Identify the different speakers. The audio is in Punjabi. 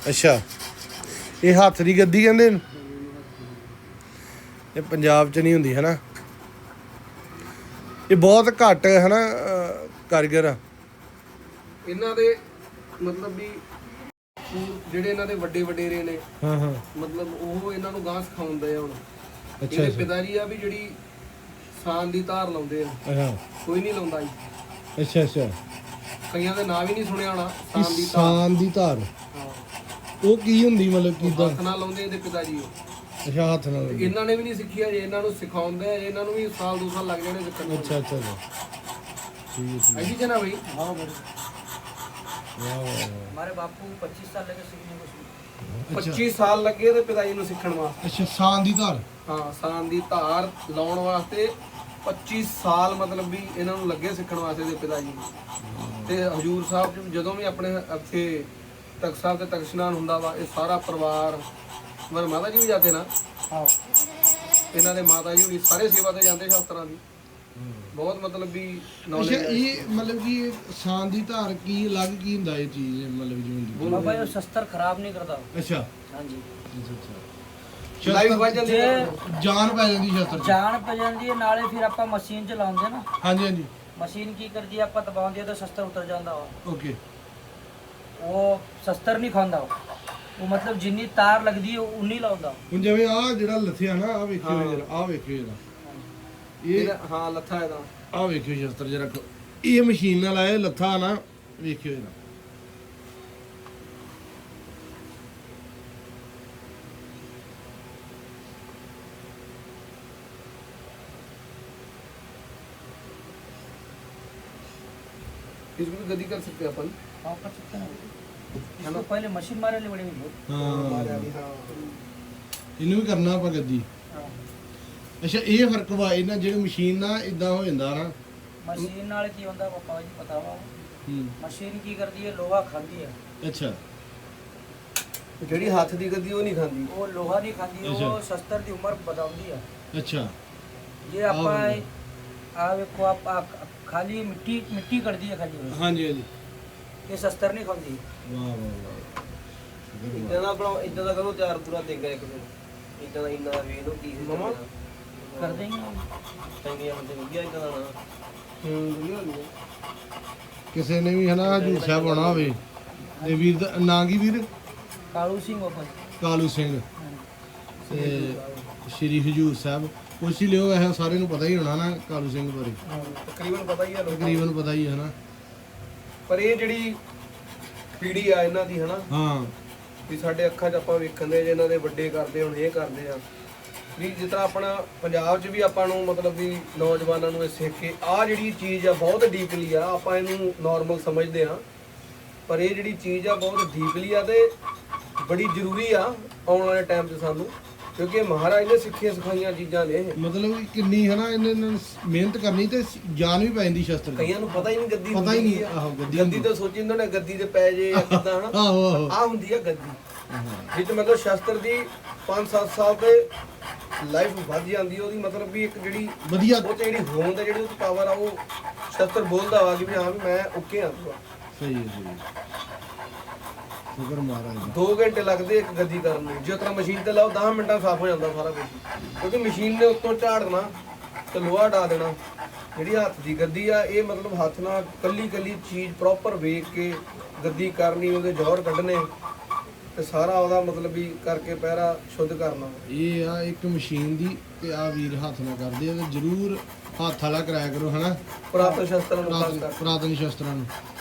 Speaker 1: ਅੱਛਾ, ਇਹ ਹੱਥ ਦੀ ਗੱਦੀ ਕਹਿੰਦੇ ਇਹਨੂੰ? ਇਹ ਪੰਜਾਬ 'ਚ ਨਹੀਂ ਹੁੰਦੀ ਹੈ ਨਾ, ਇਹ ਬਹੁਤ ਘੱਟ ਹੈ ਨਾ ਕਾਰੀਗਰ ਆ
Speaker 2: ਇਹਨਾਂ ਦੇ ਮਤਲਬ ਵੀ ਜਿਹੜੇ ਇਹਨਾਂ ਦੇ ਵੱਡੇ ਵਡੇਰੇ ਨੇ।
Speaker 1: ਹਾਂ ਹਾਂ,
Speaker 2: ਮਤਲਬ ਉਹ ਇਹਨਾਂ ਨੂੰ ਗਾਂ ਸਿਖਾਉਂਦੇ ਆ ਹੁਣ।
Speaker 1: ਅੱਛਾ
Speaker 2: ਇਹਦੇ
Speaker 1: ਅੱਛਾ
Speaker 2: ਪਿਤਾ ਜੀ ਆ ਵੀ ਜਿਹੜੀ ਸਾਨ ਦੀ ਧਾਰ ਲਾਉਂਦੇ ਆ,
Speaker 1: ਅੱਛਾ
Speaker 2: ਕੋਈ ਨਹੀਂ ਲਾਉਂਦਾ ਜੀ।
Speaker 1: ਅੱਛਾ ਅੱਛਾ,
Speaker 2: ਕਈਆਂ ਦੇ ਨਾਂ ਵੀ ਨਹੀਂ ਸੁਣਿਆ ਹੋਣਾ। ਸਾਨ ਦੀ ਧਾਰ,
Speaker 1: ਸਾਨ ਦੀ ਧਾਰ
Speaker 2: ਹਾਂ,
Speaker 1: ਉਹ ਕੀ ਹੁੰਦੀ ਮਤਲਬ ਕਿੱਦਾਂ?
Speaker 2: ਹੱਥ ਨਾਲ ਲਾਉਂਦੇ ਇਹਦੇ ਪਿਤਾ ਜੀ ਉਹ।
Speaker 1: ਅੱਛਾ, ਹੱਥ ਨਾਲ
Speaker 2: ਤੇ ਇਹਨਾਂ ਨੇ ਵੀ ਨਹੀਂ ਸਿੱਖਿਆ ਜੇ, ਇਹਨਾਂ ਨੂੰ ਸਿਖਾਉਂਦੇ ਆ, ਇਹਨਾਂ ਨੂੰ ਵੀ ਸਾਲ 2 ਸਾਲ ਲੱਗ ਜਾਣੇ ਸਿੱਖਣ ਨੂੰ।
Speaker 1: ਅੱਛਾ ਅੱਛਾ ਠੀਕ ਹੈ
Speaker 2: ऐसी है ना भाई।
Speaker 1: ਵਾਹ ਵਾਹ
Speaker 3: हमारे बापू 25 साल लगे सीखने को।
Speaker 2: 25 ਸਾਲ ਲੱਗੇ ਤੇ ਪਿਤਾ ਜੀ ਨੂੰ ਸਿੱਖਣ ਵਾਸਤੇ।
Speaker 1: ਅੱਛਾ, ਸਾਨ ਦੀ ਧਾਰ।
Speaker 2: ਹਾਂ, ਸਾਨ ਦੀ ਧਾਰ ਲਾਉਣ ਵਾਸਤੇ 25 ਸਾਲ ਮਤਲਬ ਵੀ ਇਹਨਾਂ ਨੂੰ ਲੱਗੇ ਸਿੱਖਣ ਵਾਸਤੇ ਦੇ ਪਿਤਾ ਜੀ ਨੂੰ। ਤੇ ਹਜੂਰ ਸਾਹਿਬ ਚ ਜਦੋਂ ਵੀ ਆਪਣੇ ਇੱਥੇ ਤਖਤ ਸਾਹਿਬ ਤੇ ਤਖਤ ਇਸ਼ਨਾਨ ਹੁੰਦਾ ਵਾ, ਇਹ ਸਾਰਾ ਪਰਿਵਾਰ ਮਰ ਮਾਤਾ ਜੀ ਵੀ ਜਾਂਦੇ ਨਾ।
Speaker 3: हाँ,
Speaker 2: ਇਹਨਾਂ ਦੇ ਮਾਤਾ ਜੀ ਵੀ ਸਾਰੇ ਸੇਵਾ ਤੇ ਜਾਂਦੇ ਸ਼ਾਸਤਰਾਂ ਦੀ। ਬਹੁਤ ਮਤਲਬ ਵੀ
Speaker 1: ਅੱਛਾ,
Speaker 2: ਨੌਲੇਜ ਹੈ।
Speaker 1: ਇਹ ਮਤਲਬ ਕਿ ਸਾਨ ਦੀ ਧਾਰ ਕੀ ਅਲੱਗ ਕੀ ਹੁੰਦਾ ਇਹ ਚੀਜ਼ ਮਤਲਬ ਜਿਵੇਂ ਦੀ?
Speaker 3: बाबा ये शस्त्र खराब नहीं करता।
Speaker 1: ਅੱਛਾ
Speaker 3: हाँ जी,
Speaker 1: ਅੱਛਾ
Speaker 2: ਲਾਈਵ ਵੱਜ ਜਾਂਦੀ
Speaker 3: ਜੇ
Speaker 2: ਹੈ।
Speaker 1: ਜਾਨ ਪੈ ਜਾਂਦੀ ਸ਼ਸਤਰ 'ਚ।
Speaker 3: ਜਾਨ ਪੈ ਜਾਂਦੀ ਹੈ ਨਾਲੇ ਫਿਰ ਆਪਾਂ ਮਸ਼ੀਨ ਚਲਾਉਂਦੇ ਨਾ।
Speaker 1: ਹਾਂਜੀ ਹਾਂਜੀ,
Speaker 3: ਮਸ਼ੀਨ ਕੀ ਕਰਦੀ ਹੈ, ਆਪਾਂ ਦਬਾਉਂਦੇ ਤਾਂ ਸ਼ਸਤਰ ਉਤਰ ਜਾਂਦਾ ਵਾ।
Speaker 1: ਓਕੇ।
Speaker 3: ਉਹ ਸ਼ਸਤਰ ਨਹੀਂ ਖਾਂਦਾ ਉਹ ਮਤਲਬ ਜਿੰਨੀ ਤਾਰ ਲੱਗਦੀ ਹੈ ਉਨੀ ਲਾਉਂਦਾ।
Speaker 1: ਹੁਣ ਜਿਵੇਂ ਆ ਜਿਹੜਾ ਲੱਥਿਆ ਨਾ, ਆ ਵੇਖਿਓ ਜਰਾ, ਆ ਵੇਖਿਓ ਜਰਾ, ਇਹ
Speaker 2: ਹਾਂ, ਲੱਥਾ ਇਹਦਾ।
Speaker 1: ਆ ਵੇਖਿਓ ਸ਼ਸਤਰ ਜਰਾ, ਇਹ ਮਸ਼ੀਨ ਨਾਲ ਆਇਆ ਲੱਥਾ ਨਾ, ਵੇਖਿਓ ਜਰਾ।
Speaker 2: इसको भी गद्दी कर सकते हैं अपन।
Speaker 3: हाँ, कर सकते हैं। इसको पहले मशीन मारे ले बड़े लोग।
Speaker 1: ਹਾਂ,
Speaker 2: हाँ।
Speaker 1: ਇਹਨੂੰ ਵੀ ਕਰਨਾ ਆਪਾਂ ਗੱਦੀ।
Speaker 3: हाँ,
Speaker 1: ਅੱਛਾ, ਇਹ ਫਰਕ ਵਾ ਇਹਨਾਂ ਜਿਹੜੀ ਮਸ਼ੀਨ ਨਾਲ ਇਦਾਂ ਹੋ ਜਾਂਦਾ ਨਾ।
Speaker 3: ਮਸ਼ੀਨ ਨਾਲ ਕੀ ਹੁੰਦਾ ਪਾਪਾ ਜੀ ਪਤਾ ਵਾ?
Speaker 1: ਹੂੰ,
Speaker 3: ਮਸ਼ੀਨ ਕੀ ਕਰਦੀ ਹੈ, ਲੋਹਾ ਖਾਂਦੀ ਹੈ।
Speaker 1: ਅੱਛਾ
Speaker 2: ਜਿਹੜੀ ਹੱਥ ਦੀ ਗੱਦੀ ਉਹ ਨਹੀਂ ਖਾਂਦੀ।
Speaker 3: ਉਹ ਲੋਹਾ ਨਹੀਂ ਖਾਂਦੀ,
Speaker 1: ਅੱਛਾ।
Speaker 3: ਉਹ ਸ਼ਸਤਰ ਦੀ ਉਮਰ ਵਧਾਉਂਦੀ ਹੈ।
Speaker 1: ਅੱਛਾ,
Speaker 3: ये आपा देखो आप खाली मिट्टी कर दी है खाली,
Speaker 1: ਹਾਂਜੀ ਹਾਂਜੀ,
Speaker 3: ये शस्त्र नहीं खाती।
Speaker 1: ਵਾਹ ਵਾਹ ਵਾਹ।
Speaker 2: ਇਦਾਂ ਦਾ ਬਣਾਓ, ਇਦਾਂ ਦਾ ਕਰੋ ਤਿਆਰ ਪੂਰਾ ਦੇਗਾ ਇੱਕ ਦਿਨ। ਇਦਾਂ ਦਾ ਇੰਨਾ ਵੇਖ ਲਓ ਕੀ ਮਮਾ
Speaker 3: कर देंगे।
Speaker 2: ਚੰਗੀਆਂ ਹੁੰਦੇ ਵਧੀਆ ਇਦਾਂ ਦਾ ਨਾ। ਵਧੀਆ ਹੁੰਦੀ
Speaker 1: ਕਿਸੇ ਨੇ ਵੀ ਹਨਾ ਹਜੂਰ ਸਾਹਿਬ ਆਉਣਾ ਹੋਵੇ ਤੇ ਵੀਰ ਦਾ ਨਾਂ ਕੀ ਵੀਰ?
Speaker 3: कालू सिंह ओपन।
Speaker 1: ਕਾਲੂ ਸਿੰਘ ਤੇ ਸ਼੍ਰੀ ਹਜੂਰ ਸਾਹਿਬ ਪੁੱਛ ਹੀ ਲਿਓ, ਵੈਸੇ ਸਾਰਿਆਂ ਨੂੰ ਪਤਾ ਹੀ ਹੋਣਾ ਨਾ ਕਾਲੂ ਸਿੰਘ ਬਾਰੇ,
Speaker 2: ਤਕਰੀਬਨ ਪਤਾ ਹੀ ਆ ਲੋਕਾਂ ਨੂੰ।
Speaker 1: ਤਕਰੀਬਨ ਪਤਾ ਹੀ ਹੈ ਨਾ।
Speaker 2: ਪਰ ਇਹ ਜਿਹੜੀ ਪੀੜੀ ਆ ਇਹਨਾਂ ਦੀ ਹਨਾ,
Speaker 1: ਹਾਂ,
Speaker 2: ਵੀ ਸਾਡੇ ਅੱਖਾਂ 'ਚ ਆਪਾਂ ਵੇਖਣ ਦੇ ਜੇ ਇਹਨਾਂ ਦੇ ਵੱਡੇ ਕਰਦੇ ਹੁਣ ਇਹ ਕਰਦੇ ਆ ਵੀ ਜਿਸ ਤਰ੍ਹਾਂ ਆਪਣਾ ਪੰਜਾਬ 'ਚ ਵੀ ਆਪਾਂ ਨੂੰ ਮਤਲਬ ਵੀ ਨੌਜਵਾਨਾਂ ਨੂੰ ਇਹ ਸਿੱਖ ਕੇ ਆਹ ਜਿਹੜੀ ਚੀਜ਼ ਆ ਬਹੁਤ ਡੀਪਲੀ ਆ, ਆਪਾਂ ਇਹਨੂੰ ਨਾਰਮਲ ਸਮਝਦੇ ਆ, ਪਰ ਇਹ ਜਿਹੜੀ ਚੀਜ਼ ਆ ਬਹੁਤ ਡੀਪਲੀ ਆ ਤੇ ਬੜੀ ਜ਼ਰੂਰੀ ਆ ਆਉਣ ਵਾਲੇ ਟਾਈਮ 'ਚ ਸਾਨੂੰ, ਕਿਉਂਕਿ ਮਹਾਰਾਜ ਨੇ ਸਿੱਖੀਆਂ ਸਿਖਾਈਆਂ ਚੀਜ਼ਾਂ ਨੇ ਇਹ।
Speaker 1: ਮਤਲਬ ਕਿ ਕਿੰਨੀ ਹਨਾ ਇਹਨਾਂ ਨੇ ਮਿਹਨਤ ਕਰਨੀ ਤੇ ਜਾਨ ਵੀ ਪੈ ਜਾਂਦੀ ਸ਼ਸਤਰ ਦੀ।
Speaker 2: ਕਈਆਂ ਨੂੰ ਪਤਾ ਹੀ ਨਹੀਂ ਗੱਦੀ
Speaker 1: ਪਤਾ ਹੀ
Speaker 2: ਹੁੰਦੀ
Speaker 1: ਨਹੀਂ,
Speaker 2: ਆ।
Speaker 1: ਆਹੋ, ਗੱਦੀ
Speaker 2: ਗੱਦੀ ਤਾਂ ਸੋਚੀ ਇਹਨਾਂ ਨੇ ਗੱਦੀ ਤੇ ਪੈ ਜੇ ਜਾਂ ਕਿੱਦਾਂ ਹਨਾ।
Speaker 1: ਆਹੋ ਆਹੋ,
Speaker 2: ਆ ਹੁੰਦੀ ਆ ਗੱਦੀ, ਜਿੱਥੇ ਮਤਲਬ ਸ਼ਸਤਰ ਦੀ 5-7 ਸਾਲ ਤੇ ਲਾਈਫ ਵੱਧ ਜਾਂਦੀ ਉਹਦੀ, ਮਤਲਬ ਵੀ ਇੱਕ ਜਿਹੜੀ
Speaker 1: ਵਧੀਆ।
Speaker 2: ਉਹ 'ਚ ਜਿਹੜੀ ਹੋਂਦ ਹੈ, ਜਿਹੜੀ ਉਹ 'ਚ ਪਾਵਰ ਆ, ਉਹ ਸ਼ਸਤਰ ਬੋਲਦਾ ਵਾ ਕਿ ਵੀ ਹਾਂ ਵੀ ਮੈਂ ਓਕੇ ਆ।
Speaker 1: ਸਹੀ ਹੈ ਸਹੀ ਹੈ, ਸ਼ੁਕਰ ਮਹਾਰਾਜ ਦਾ।
Speaker 2: 2 ਘੰਟੇ ਲੱਗਦੇ ਇੱਕ ਗੱਦੀ ਕਰਨ ਨੂੰ, ਜੇ ਤਰ੍ਹਾਂ ਮਸ਼ੀਨ ਤੇ ਲਾਓ 10 ਮਿੰਟਾਂ ਸਾਫ਼ ਹੋ ਜਾਂਦਾ ਸਾਰਾ ਕੁਝ, ਕਿਉਂਕਿ ਮਸ਼ੀਨ ਨੇ ਉੱਤੋਂ ਝਾੜਨਾ ਤੇ ਲੋਹਾ ਢਾ ਦੇਣਾ। ਜਿਹੜੀ ਹੱਥ ਦੀ ਗੱਦੀ ਆ, ਇਹ ਮਤਲਬ ਹੱਥ ਨਾਲ ਕੱਲੀ ਕੱਲੀ ਚੀਜ਼ ਪ੍ਰੋਪਰ ਵੇਖ ਕੇ ਗੱਦੀ ਕਰਨੀ, ਉਹਦੇ ਜੌਹਰ ਕੱਢਣੇ ਤੇ ਸਾਰਾ ਉਹਦਾ ਮਤਲਬ ਵੀ ਕਰਕੇ ਪਹਿਰਾ ਸ਼ੁੱਧ ਕਰਨਾ।
Speaker 1: ਇਹ ਆ ਇੱਕ ਮਸ਼ੀਨ ਦੀ ਤੇ ਆ ਵੀਰ ਹੱਥ ਨਾਲ ਕਰਦੇ ਆ, ਤੇ ਜ਼ਰੂਰ ਹੱਥ ਵਾਲਾ ਕਰਾਇਆ ਕਰੋ ਹਨਾ
Speaker 2: ਪੁਰਾਤਨ ਸ਼ਸਤਰਾਂ ਨੂੰ ਖਾਸ ਕਰਕੇ।
Speaker 1: ਪੁਰਾਤਨ ਸ਼ਸਤਰਾਂ ਨੂੰ।